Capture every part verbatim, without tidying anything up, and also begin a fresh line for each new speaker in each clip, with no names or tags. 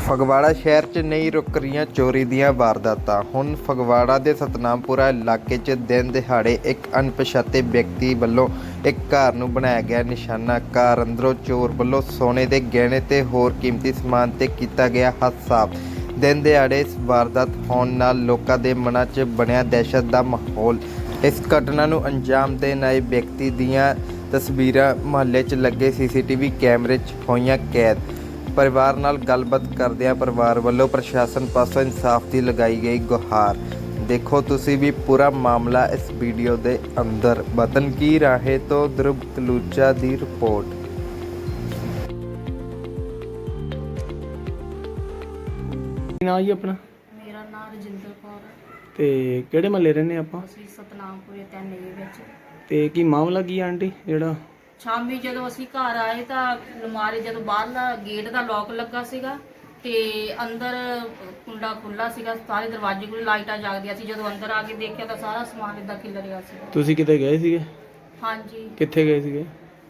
ਫਗਵਾੜਾ ਸ਼ਹਿਰ 'ਚ ਨਹੀਂ ਰੁਕ ਰਹੀਆਂ ਚੋਰੀ ਦੀਆਂ ਵਾਰਦਾਤਾਂ। ਹੁਣ ਫਗਵਾੜਾ ਦੇ ਸਤਨਾਮਪੁਰਾ ਇਲਾਕੇ 'ਚ ਦਿਨ ਦਿਹਾੜੇ ਇੱਕ ਅਣਪਛਾਤੇ ਵਿਅਕਤੀ ਵੱਲੋਂ ਇੱਕ ਘਰ ਨੂੰ ਬਣਾਇਆ ਗਿਆ ਨਿਸ਼ਾਨਾ। ਘਰ ਅੰਦਰੋਂ ਚੋਰ ਵੱਲੋਂ ਸੋਨੇ ਦੇ ਗਹਿਣੇ ਤੇ ਹੋਰ ਕੀਮਤੀ ਸਮਾਨ ਤੇ ਕੀਤਾ ਗਿਆ ਹੱਥ ਸਾਫ਼। ਦਿਨ ਦਿਹਾੜੇ ਇਸ ਵਾਰਦਾਤ ਹੋਣ ਨਾਲ ਲੋਕਾਂ ਦੇ ਮਨਾਂ 'ਚ ਬਣਿਆ ਦਹਿਸ਼ਤ ਦਾ ਮਾਹੌਲ। ਇਸ ਘਟਨਾ ਨੂੰ ਅੰਜਾਮ ਦੇਣ ਆਏ ਵਿਅਕਤੀ ਦੀਆਂ ਤਸਵੀਰਾਂ ਮੁਹੱਲੇ 'ਚ ਲੱਗੇ ਸੀ ਸੀ ਟੀ ਵੀ ਕੈਮਰੇ 'ਚ ਹੋਈਆਂ ਕੈਦ। ਪਰਿਵਾਰ ਨਾਲ ਗੱਲਬਾਤ ਕਰਦਿਆਂ ਪਰਿਵਾਰ ਵੱਲੋਂ ਪ੍ਰਸ਼ਾਸਨ ਪਾਸੋਂ ਇਨਸਾਫ ਦੀ ਲਗਾਈ ਗਈ ਗੁਹਾਰ। ਦੇਖੋ ਤੁਸੀਂ ਵੀ ਪੂਰਾ ਮਾਮਲਾ ਇਸ ਵੀਡੀਓ ਦੇ ਅੰਦਰ। ਵਤਨ ਕੀ ਰਾਹੇ ਤੋਂ ਧਰੁਵ ਤਲੂਚਾ ਦੀ ਰਿਪੋਰਟ।
ਕੀ ਨਾਂ ਜੀ ਆਪਣਾ?
ਮੇਰਾ ਨਾਮ ਰਜਿੰਦਰ ਕੌਰ ਹੈ
ਤੇ ਕਿਹੜੇ ਮਹੱਲੇ ਰਹਿੰਦੇ ਆਪਾਂ?
ਅਸੀਂ ਸਤਨਾਮਪੁਰੇ ਤਿੰਨ ਏ ਵਿੱਚ।
ਤੇ ਕੀ ਮਾਮਲਾ ਕੀ ਆ ਆਂਟੀ? ਜਿਹੜਾ
ਸ਼ਾਮੀ ਜਦੋਂ ਅਸੀਂ ਘਰ ਆਏ ਤਾਂ ਅਲਮਾਰੀ ਜਦੋਂ ਬਾਹਰਲਾ ਗੇਟ ਦਾ ਲੋਕ ਲੱਗਾ ਸੀਗਾ ਤੇ ਅੰਦਰ ਕੁੰਡਾ ਖੁੱਲਾ ਸੀਗਾ, ਸਾਰੇ ਦਰਵਾਜ਼ੇ ਕੋਲ ਲਾਈਟਾਂ ਜਗਦੀਆਂ ਸੀ। ਜਦੋਂ ਅੰਦਰ ਆ ਕੇ ਦੇਖਿਆ ਤਾਂ ਸਾਰਾ ਸਮਾਨ ਇਦਾਂ ਖਿਲ ਰਿਹਾ ਸੀ।
ਤੁਸੀਂ ਕਿਤੇ ਗਏ ਸੀਗੇ?
ਹਾਂਜੀ,
ਕਿੱਥੇ ਗਏ ਸੀਗੇ?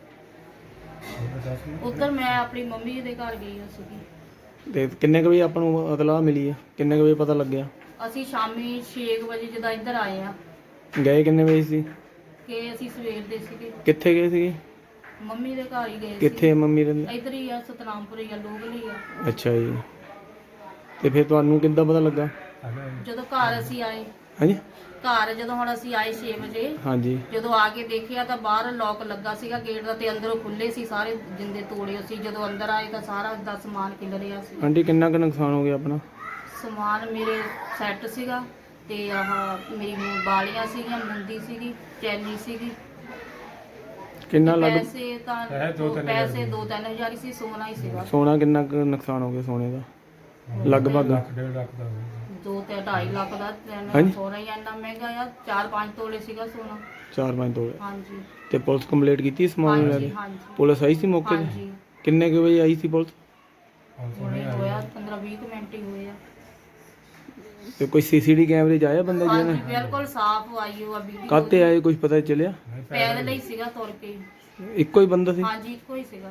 ਉੱਧਰ ਮੈਂ ਆਪਣੀ ਮੰਮੀ ਦੇ ਘਰ ਗਈ ਹੋਈ ਸੀਗੀ।
ਤੇ ਕਿੰਨੇ ਕੁ ਵਜੇ ਆਪਾਂ ਨੂੰ ਇਤਲਾਹ ਮਿਲੀ ਆ? ਕਿੰਨੇ ਕੁ ਵਜੇ ਪਤਾ ਲੱਗਿਆ?
ਅਸੀਂ ਸ਼ਾਮੀ ਛੇ ਵਜੇ ਜਦੋਂ ਇੱਧਰ ਆਏ ਆ।
ਗਏ ਕਿੰਨੇ ਵਜੇ ਸੀ?
ਕਿ ਅਸੀਂ ਸਵੇਰ ਦੇ ਸੀਗੇ,
ਕਿੱਥੇ ਗਏ ਸੀਗੇ?
ਮੰਮੀ ਦੇ ਘਰ ਹੀ ਗਏ ਸੀ।
ਕਿੱਥੇ ਮੰਮੀ ਰਹਿੰਦੇ?
ਇੱਧਰ ਹੀ ਆ, ਸਤਨਾਮਪੁਰੇ ਆ, ਲੋਕਲ ਹੀ ਆ।
ਅੱਛਾ ਜੀ। ਤੇ ਫਿਰ ਤੁਹਾਨੂੰ ਕਿੱਦਾਂ ਪਤਾ ਲੱਗਾ?
ਜਦੋਂ ਘਰ ਅਸੀਂ ਆਏ,
ਹਾਂਜੀ
ਘਰ ਜਦੋਂ ਹੁਣ ਅਸੀਂ ਆਏ ਛੇ ਵਜੇ,
ਹਾਂਜੀ।
ਜਦੋਂ ਆ ਕੇ ਦੇਖਿਆ ਤਾਂ ਬਾਹਰ ਲੋਕ ਲੱਗਾ ਸੀਗਾ ਗੇਟ ਦਾ ਤੇ ਅੰਦਰੋਂ ਖੁੱਲੇ ਸੀ, ਸਾਰੇ ਜਿੰਦੇ ਤੋੜੇ ਸੀ। ਜਦੋਂ ਅੰਦਰ ਆਏ ਤਾਂ ਸਾਰਾ ਦਾ ਸਮਾਨ ਖਿਲ ਰਿਹਾ ਸੀ।
ਆਂਟੀ ਕਿੰਨਾ ਕੁ ਨੁਕਸਾਨ ਹੋ ਗਿਆ ਆਪਣਾ?
ਸਮਾਨ ਮੇਰੇ ਸੈੱਟ ਸੀਗਾ ਤੇ ਆਹ ਮੇਰੀ ਬਾਲੀਆਂ ਸੀਗੀਆਂ, ਮੁੰਦੀ ਸੀਗੀ, ਚੈਨੀ ਸੀਗੀ।
ਕਿੰਨਾ ਲੱਗ
ਪੈਸੇ ਤਾਂ ਪੈਸੇ ਦੋ ਤਿੰਨ ਹਜ਼ਾਰ ਹੀ ਸੀ। ਸੋਨਾ ਹੀ ਸੀਗਾ।
ਸੋਨਾ ਕਿੰਨਾ ਕੁ ਨੁਕਸਾਨ ਹੋ ਗਿਆ ਸੋਨੇ ਦਾ? ਲਗਭਗ
ਦੋ ਤੇ ਢਾਈ ਲੱਖ ਦਾ।
ਹਾਂਜੀ।
ਸੋਨਾ ਹੀ ਇੰਨਾ ਮਹਿੰਗਾ ਆ। ਚਾਰ ਪੰਜ ਤੋਲੇ ਸੀਗਾ ਸੋਨਾ।
ਚਾਰ ਪੰਜ ਤੋਲੇ।
ਹਾਂਜੀ
ਤੇ ਪੁਲਿਸ ਕੰਪਲੀਟ ਕੀਤੀ ਸਮਾਨ ਲੈ
ਹਾਂਜੀ
ਕੇ?
ਹਾਂਜੀ
ਪੁਲਿਸ ਆਈ ਸੀ ਮੌਕੇ ਤੇ?
ਹਾਂਜੀ।
ਕਿੰਨੇ ਕੁ ਵਜੇ ਆਈ ਸੀ ਪੁਲਿਸ?
ਹੁਣੇ ਹੋਇਆ ਪੰਦਰਾਂ ਵੀਹ ਮਿੰਟ ਹੀ ਹੋਏ ਆ।
ਤੇ ਕੋਈ ਸੀਸੀਟੀ ਕੈਮਰੇ 'ਚ ਆਇਆ ਬੰਦਾ
ਹਾਂਜੀ,
ਜਿਹਨੇ?
ਬਿਲਕੁਲ ਸਾਫ਼ ਆਈ ਉਹ ਵੀਡੀਓ।
ਕਾਹਤੇ ਆਏ ਕੁਝ ਪਤਾ ਚੱਲਿਆ?
ਪੈਦਲ ਹੀ ਸੀਗਾ, ਤੁਰ ਕੇ।
ਇੱਕੋ ਹੀ ਬੰਦਾ ਸੀ?
ਹਾਂਜੀ, ਇੱਕੋ ਹੀ ਸੀਗਾ।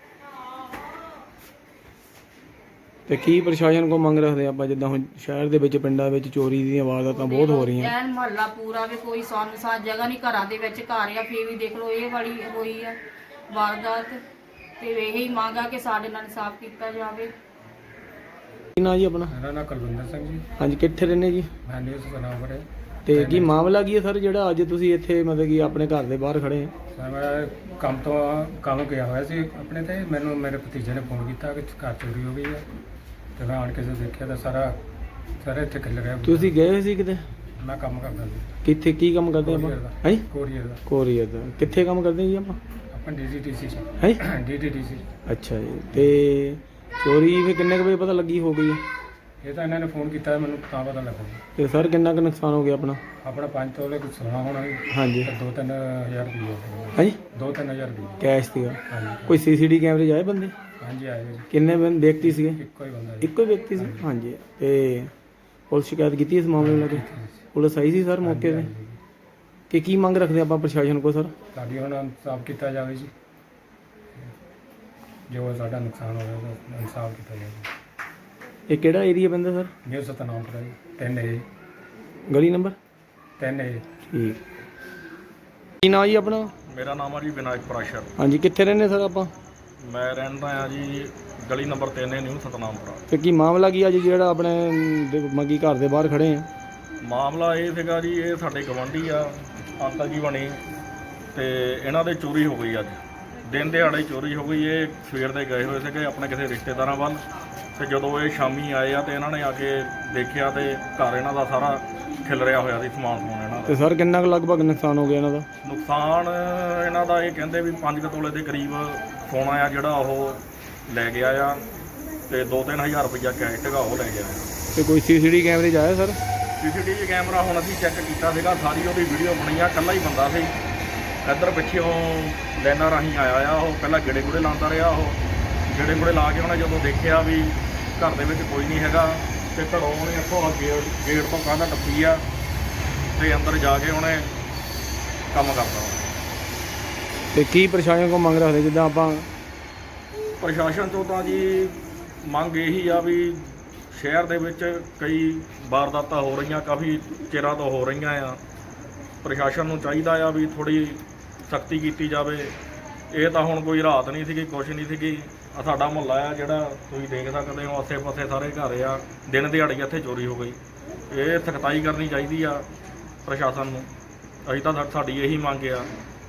ਤੇ ਕੀ ਪ੍ਰਸ਼ਾਸਨ ਕੋ ਮੰਗ ਰੱਖਦੇ ਆਪਾਂ? ਜਿੱਦਾਂ ਹੁਣ ਸ਼ਹਿਰ ਦੇ ਵਿੱਚ ਪਿੰਡਾਂ ਵਿੱਚ ਚੋਰੀ ਦੀਆਂ ਵਾਰਦਾਤਾਂ ਬਹੁਤ ਹੋ ਰਹੀਆਂ।
ਐਨ ਮੁਹੱਲਾ ਪੂਰਾ ਵੀ ਕੋਈ ਸੁੰਨਸਾਨ ਜਗ੍ਹਾ ਨਹੀਂ, ਘਰਾਂ ਦੇ ਵਿੱਚ ਘਰ ਆ, ਫੇਰ ਵੀ ਦੇਖ ਲਓ ਇਹ ਵਾਲੀ ਹੋਈ ਆ ਵਾਰਦਾਤ। ਤੇ ਇਹੀ ਮੰਗ ਆ ਕਿ ਸਾਡੇ ਨਾਲ ਇਨਸਾਫ ਕੀਤਾ ਜਾਵੇ।
ਕੀ ਨਾਂ ਜੀ ਆਪਣਾ?
ਮੇਰਾ ਨਾਮ ਕੁਲਵਿੰਦਰ ਸਿੰਘ ਜੀ।
ਹਾਂਜੀ, ਕਿੱਥੇ ਰਹਿੰਦੇ ਜੀ?
ਮੈਂ ਨਿਊਜ਼ ਸਤਨਾਮਪੁਰੇ।
ਤੇ ਕੀ ਮਾਮਲਾ ਕੀ ਹੈ ਸਰ, ਜਿਹੜਾ ਅੱਜ ਤੁਸੀਂ ਇੱਥੇ ਮਤਲਬ ਕਿ ਆਪਣੇ ਘਰ ਦੇ ਬਾਹਰ ਖੜੇ ਆ?
ਸਰ ਮੈਂ ਕੰਮ ਤੋਂ ਕੰਮ ਗਿਆ ਹੋਇਆ ਸੀ ਆਪਣੇ ਤੇ। ਮੈਨੂੰ ਮੇਰੇ ਭਤੀਜੇ ਨੇ ਫੋਨ ਕੀਤਾ ਕਿ ਘਰ ਚੋਰੀ ਹੋ ਗਈ ਹੈ। ਤੇ ਮੈਂ ਆਣ ਕੇ ਜਦੋਂ ਦੇਖਿਆ ਤਾਂ ਸਾਰਾ ਸਾਰਾ ਇੱਥੇ ਖਿਲ ਰਿਹਾ।
ਤੁਸੀਂ ਗਏ ਹੋਏ ਸੀ ਕਿਤੇ?
ਮੈਂ ਕੰਮ ਕਰਦਾ ਸੀ
ਕਿੱਥੇ? ਕੀ ਕੰਮ ਕਰਦੇ ਆਪਾਂ? ਹਾਂਜੀ,
ਕੋਰੀਅਰ ਦਾ।
ਕੋਰੀਅਰ ਦਾ। ਕਿੱਥੇ ਕੰਮ ਕਰਦੇ ਜੀ ਆਪਾਂ?
ਆਪਾਂ ਡੀ ਡੀ ਟੀ ਸੀ
ਹੈ
ਡੀ ਡੀ ਟੀ ਸੀ।
ਅੱਛਾ ਜੀ। ਤੇ ਚੋਰੀ ਫਿਰ ਕਿੰਨੇ ਕੁ ਵਜੇ ਪਤਾ ਲੱਗੀ ਹੋ ਗਈ ਹੈ?
ਇਹ ਤਾਂ ਇਹਨਾਂ ਨੇ ਫੋਨ ਕੀਤਾ ਮੈਨੂੰ ਤਾਂ ਪਤਾ ਲੱਗਾ।
ਤੇ ਸਰ ਕਿੰਨਾ ਕੁ ਨੁਕਸਾਨ ਹੋ ਗਿਆ ਆਪਣਾ?
ਆਪਣਾ ਪੰਜ ਤੋਲੇ ਕੁਝ ਸੋਨਾ ਹੋਣਾ ਸੀ
ਹਾਂਜੀ।
ਤੇ ਦੋ ਤਿੰਨ ਹਜ਼ਾਰ ਰੁਪਏ।
ਹਾਂਜੀ,
ਦੋ ਤਿੰਨ ਹਜ਼ਾਰ ਰੁਪਏ
ਕੈਸ਼ ਸੀਗਾ?
ਹਾਂਜੀ।
ਕੋਈ ਸੀਸੀਟੀ ਕੈਮਰੇ 'ਚ ਆਏ ਬੰਦੇ?
ਹਾਂਜੀ ਆਏ ਜੀ।
ਕਿੰਨੇ ਬੰਦੇ ਵਿਅਕਤੀ ਸੀਗੇ?
ਇੱਕੋ ਹੀ ਬੰਦਾ ਜੀ।
ਇੱਕੋ ਹੀ ਵਿਅਕਤੀ ਸੀ? ਹਾਂਜੀ। ਤੇ ਪੁਲਿਸ ਸ਼ਿਕਾਇਤ ਕੀਤੀ ਇਸ ਮਾਮਲੇ ਨੂੰ ਲੈ ਕੇ? ਪੁਲਿਸ ਆਈ ਸੀ ਸਰ ਮੌਕੇ ਤੇ? ਕਿ ਕੀ ਮੰਗ ਰੱਖਦੇ ਆਪਾਂ ਪ੍ਰਸ਼ਾਸਨ ਕੋਲ ਸਰ?
ਸਾਡੀ ਹੁਣ ਇਨਸਾਫ ਕੀਤਾ ਜਾਵੇ ਜੀ। ਜੋ ਸਾਡਾ ਨੁਕਸਾਨ ਹੋਇਆ ਉਹਦਾ ਇਨਸਾਫ ਕੀਤਾ ਜਾਵੇ।
ਇਹ ਕਿਹੜਾ ਏਰੀਆ ਪੈਂਦਾ ਸਰ?
ਨਿਊ ਸਤਨਾਮਪੁਰਾ ਜੀ। ਤਿੰਨ ਏ
ਗਲੀ ਨੰਬਰ
ਤਿੰਨ ਏ।
ਠੀਕ। ਕੀ ਨਾਂ ਜੀ ਆਪਣਾ?
ਮੇਰਾ ਨਾਮ ਆ ਜੀ ਵਿਨਾਇਕ ਪ੍ਰਾਸ਼ਰ।
ਹਾਂਜੀ, ਕਿੱਥੇ ਰਹਿੰਦੇ ਸਰ ਆਪਾਂ?
ਮੈਂ ਰਹਿੰਦਾ ਆ ਜੀ ਗਲੀ ਨੰਬਰ ਤਿੰਨ ਨਿਊ ਸਤਨਾਮਪੁਰਾ।
ਤੇ ਕੀ ਮਾਮਲਾ ਕੀ ਅੱਜ ਜਿਹੜਾ ਆਪਣੇ ਦੇ- ਮੰਗੀ ਘਰ ਦੇ ਬਾਹਰ ਖੜੇ ਆ?
ਮਾਮਲਾ ਇਹ ਸੀਗਾ ਜੀ, ਇਹ ਸਾਡੇ ਗਵਾਂਢੀ ਆ ਅੰਕਲ ਜੀ ਬਣੀ ਤੇ ਇਹਨਾਂ ਦੇ ਚੋਰੀ ਹੋ ਗਈ। ਅੱਜ ਦਿਨ ਦਿਹਾੜੇ ਚੋਰੀ ਹੋ ਗਈ। ਇਹ ਸਵੇਰ ਦੇ ਗਏ ਹੋਏ ਸੀਗੇ ਆਪਣੇ ਕਿਸੇ ਰਿਸ਼ਤੇਦਾਰਾਂ ਵੱਲ ਤੇ ਜਦੋਂ ਇਹ ਸ਼ਾਮੀ ਆਏ ਆ ਤੇ ਇਹਨਾਂ ਨੇ ਆ ਕੇ ਦੇਖਿਆ ਤੇ ਘਰ ਇਹਨਾਂ ਦਾ ਸਾਰਾ ਖਿਲ ਰਿਹਾ ਹੋਇਆ ਸੀ, ਸਮਾਨ ਸਮੂਨ ਇਹਨਾਂ
ਤੇ
ਦਾ।
ਸਰ ਕਿੰਨਾ ਕੁ ਲਗਭਗ ਨੁਕਸਾਨ ਹੋ ਗਿਆ ਇਹਨਾਂ ਦਾ?
ਨੁਕਸਾਨ ਇਹਨਾਂ ਦਾ ਇਹ ਕਹਿੰਦੇ ਵੀ ਪੰਜ ਕੁ ਤੋਲੇ ਦੇ ਕਰੀਬ ਸੋਨਾ ਆ ਜਿਹੜਾ ਉਹ ਲੈ ਗਿਆ ਆ ਤੇ ਦੋ ਤਿੰਨ ਹਜ਼ਾਰ ਰੁਪਈਆ ਕੈਸ਼ ਸੀਗਾ ਉਹ ਲੈ ਗਿਆ ਆ।
ਤੇ ਕੋਈ ਸੀਸੀਟੀ ਕੈਮਰੇ 'ਚ ਆਇਆ ਸਰ?
ਸੀਸੀਟੀਵੀ ਕੈਮਰਾ ਹੁਣ ਅਸੀਂ ਚੈੱਕ ਕੀਤਾ ਸੀਗਾ, ਸਾਰੀ ਉਹਦੀ ਵੀਡੀਓ ਬਣੀ ਆ। ਇਕੱਲਾ ਹੀ ਬੰਦਾ ਸੀ, ਇੱਧਰ ਪਿੱਛੇ ਉਹ ਲਾਈਨਾਂ ਰਾਹੀਂ ਆਇਆ ਆ। ਉਹ ਪਹਿਲਾਂ ਗੇੜੇ ਗੁੜੇ ਲਾਉਂਦਾ ਰਿਹਾ। ਉਹ ਗੇੜੇ ਗੁੜੇ ਲਾ ਕੇ ਉਹਨੇ ਜਦੋਂ ਦੇਖਿਆ ਵੀ ਘਰ ਦੇ ਵਿੱਚ ਕੋਈ ਨਹੀਂ ਹੈਗਾ ਤੇ ਘਰੋਂ ਉਹਨੇ ਇੱਥੋਂ ਗੇਟ ਗੇਟ ਤੋਂ ਕੰਧ ਟੱਪੀ ਆ ਤੇ ਅੰਦਰ ਜਾ ਕੇ ਉਹਨੇ ਕੰਮ ਕਰਤਾ।
ਤੇ ਕੀ ਪ੍ਰਸ਼ਾਸਨ ਕੋਲ ਮੰਗ ਰੱਖਦੇ? ਜਿੱਦਾਂ ਆਪਾਂ
ਪ੍ਰਸ਼ਾਸਨ ਤੋਂ ਤਾਂ ਜੀ ਮੰਗ ਇਹੀ ਆ ਵੀ ਸ਼ਹਿਰ ਦੇ ਵਿੱਚ ਕਈ ਵਾਰਦਾਤਾਂ ਹੋ ਰਹੀਆਂ, ਕਾਫੀ ਚਿਰਾਂ ਤੋਂ ਹੋ ਰਹੀਆਂ ਆ। ਪ੍ਰਸ਼ਾਸਨ ਨੂੰ ਚਾਹੀਦਾ ਆ ਵੀ ਥੋੜੀ ਸਖਤੀ ਕੀਤੀ ਜਾਵੇ। ਇਹ ਤਾਂ ਹੁਣ ਕੋਈ ਰਾਤ ਨਹੀਂ ਸੀਗੀ, ਕੁਛ ਨਹੀਂ ਸੀਗੀ। ਆ ਸਾਡਾ ਮੁਹੱਲਾ ਆ ਜਿਹੜਾ ਤੁਸੀਂ ਦੇਖ ਸਕਦੇ ਹੋ, ਆਸੇ-ਪਾਸੇ ਸਾਰੇ ਘਰ ਆ, ਦਿਨ ਦਿਹਾੜੀ ਇੱਥੇ ਚੋਰੀ ਹੋ ਗਈ। ਇਹ ਸਖਤਾਈ ਕਰਨੀ ਚਾਹੀਦੀ ਆ ਪ੍ਰਸ਼ਾਸਨ ਨੂੰ। ਅਸੀਂ ਤਾਂ ਸਾਡੀ ਇਹੀ ਮੰਗ ਆ